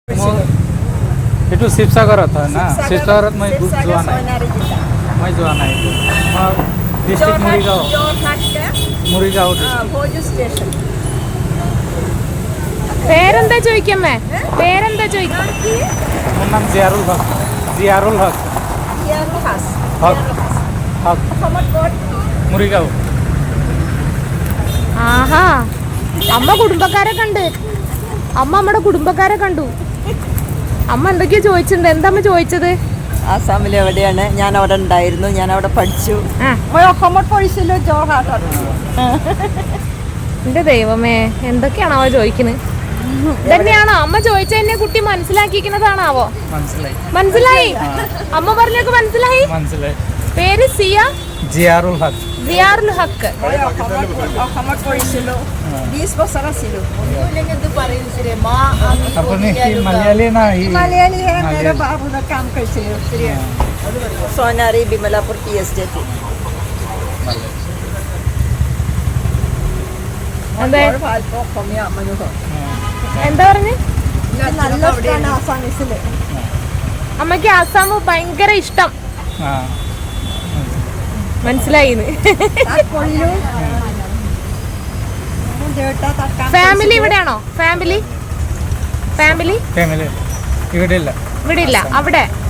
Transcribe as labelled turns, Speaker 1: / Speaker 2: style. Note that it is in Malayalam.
Speaker 1: इथून शिवसागरात आहे ना, शिवसागरात मग जुआन आहे, मग जुआन आहे मग डिस्ट्रिक्ट മുറിഗാവ്
Speaker 2: പേരെന്താ ചോദിക്കമ്മേ? പേരെന്താ ചോദിക്കാം?
Speaker 1: നാം ജിയാറുൽ ഹക്ക്. ജിയാറുൽ ഹക്ക് മുറിഗാവ്.
Speaker 2: ആഹാ, അമ്മ കുടുംബക്കാരെ കണ്ട്. അമ്മ നമ്മുടെ കുടുംബക്കാരെ കണ്ടു. അമ്മ എന്തൊക്കെയാ ചോദിച്ചിട്ടുണ്ട്? എന്താ അമ്മ ചോദിച്ചത്?
Speaker 3: ആസാമിൽ എവിടെയാണ്? ഞാൻ അവിടെ ഉണ്ടായിരുന്നു, ഞാൻ അവിടെ പഠിച്ചു.
Speaker 2: എന്റെ ദൈവമേ, എന്തൊക്കെയാണോ അവ ചോദിക്കുന്നത്? തന്നെയാണോ അമ്മ ചോദിച്ചതന്നെ കുട്ടി മനസ്സിലാക്കിക്കുന്നതാണാവോ? മനസ്സിലായി. അമ്മ പറഞ്ഞൊക്കെ മനസ്സിലായി. പേര് സിയ
Speaker 1: ജിയാറുൽ ഹക്ക്.
Speaker 2: ജിയാറുൽ ഹക്ക്.
Speaker 3: സോനാരി ബിമലാപൂർ ടി എസ്റ്റേറ്റ്.
Speaker 2: എന്താ പറഞ്ഞു? അമ്മക്ക് ആസാം ഭയങ്കര ഇഷ്ടം. മനസ്സിലായിന്ന്. ഫാമിലി ഇവിടെയാണോ? ഫാമിലി
Speaker 1: ഇവിടെ ഇല്ല.
Speaker 2: അവിടെ